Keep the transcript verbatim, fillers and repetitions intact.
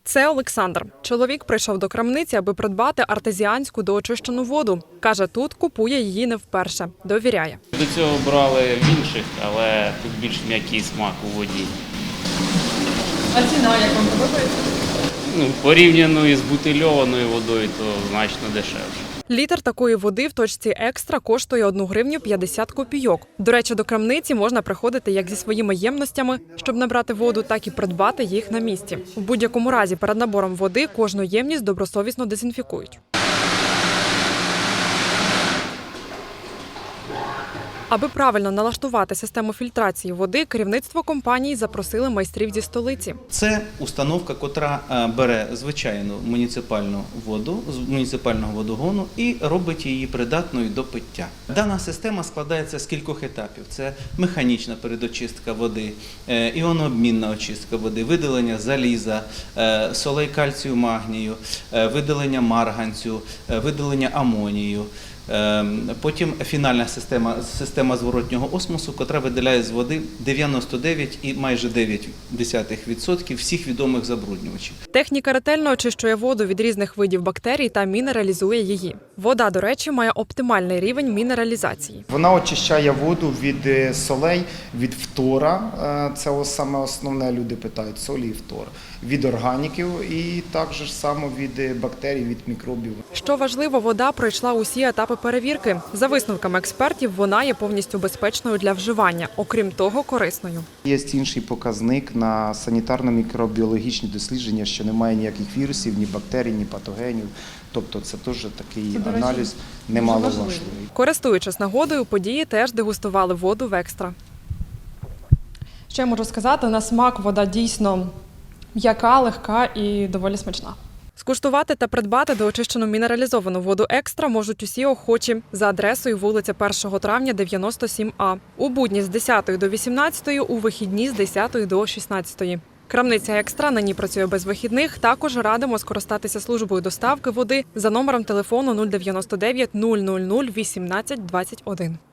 Це Олександр. Чоловік прийшов до крамниці, аби придбати артезіанську доочищену воду. Каже, тут купує її не вперше. Довіряє. До цього брали в інших, але тут більш м'який смак у воді. А ціна як вам подобається? Ну, порівняно із бутильованою водою, то значно дешевше. Літр такої води в точці «Екстра» коштує одну гривню п'ятдесят копійок. До речі, до крамниці можна приходити як зі своїми ємностями, щоб набрати воду, так і придбати їх на місці. У будь-якому разі перед набором води кожну ємність добросовісно дезінфікують. Аби правильно налаштувати систему фільтрації води, керівництво компанії запросили майстрів зі столиці. Це установка, котра бере звичайну муніципальну воду з муніципального водогону і робить її придатною до пиття. Дана система складається з кількох етапів. Це механічна передочистка води, іонообмінна очистка води, видалення заліза, солей кальцію, магнію, видалення марганцю, видалення амонію. Потім фінальна система, система зворотнього осмосу, котра виділяє з води дев'яносто дев'ять і майже дев'ять десятих відсотків всіх відомих забруднювачів. Техніка ретельно очищує воду від різних видів бактерій та мінералізує її. Вода, до речі, має оптимальний рівень мінералізації. Вона очищає воду від солей, від фтора, це саме основне, люди питають, солі і фтор, від органіків і також само від бактерій, від мікробів. Що важливо, вода пройшла усі етапи перевірки. За висновками експертів, вона є повністю безпечною для вживання, окрім того, корисною. Є інший показник на санітарно-мікробіологічні дослідження, що немає ніяких вірусів, ні бактерій, ні патогенів. Тобто це теж такий це, аналіз немаловажливий. Користуючись нагодою, події теж дегустували воду в «Екстра». Що я можу сказати, на смак вода дійсно м'яка, легка і доволі смачна. Скуштувати та придбати доочищену мінералізовану воду «Екстра» можуть усі охочі за адресою вулиця першого травня, дев'яносто сім А. У будні з десятої до вісімнадцятої, у вихідні з десятої до шістнадцятої. Крамниця «Екстра» нині працює без вихідних. Також радимо скористатися службою доставки води за номером телефону нуль дев'яносто дев'ять нуль нуль нуль вісімнадцять двадцять один.